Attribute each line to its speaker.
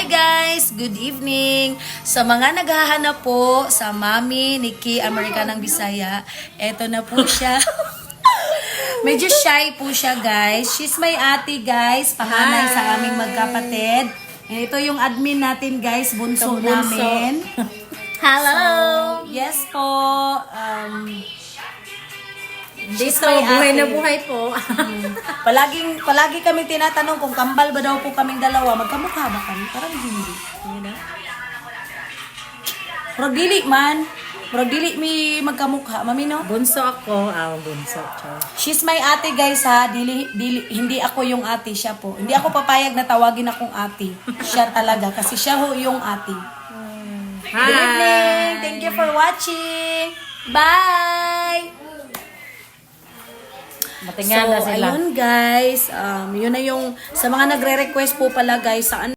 Speaker 1: Hi guys! Good evening! Sa mga naghahanap po sa Mami ni Key Americanang Bisaya, eto na po siya. Medyo shy po siya guys. She's my ate guys, panganay sa aming magkapatid. And ito yung admin natin guys, bunso namin.
Speaker 2: Hello!
Speaker 1: So, yes po.
Speaker 2: Dito,
Speaker 1: my
Speaker 2: buhay
Speaker 1: ate.
Speaker 2: na buhay po.
Speaker 1: Palagi kami tinatanong kung kambal ba daw po kaming dalawa. Magkamukha ba kami? Parang hindi. Pero dili man. Pero dili mi magkamukha. Mami no?
Speaker 2: Bunso ako. Bunso. Char.
Speaker 1: She's my ate guys ha. Hindi ako yung ate. Siya po. Hindi ako papayag na tawagin akong ate. Siya talaga. Kasi siya ho yung ate.
Speaker 2: Hi!
Speaker 1: Good evening. Thank you for watching. Bye!
Speaker 2: Matingan na
Speaker 1: So,
Speaker 2: sila.
Speaker 1: ayun guys, yun na yung, sa mga nagre-request po pala guys, saan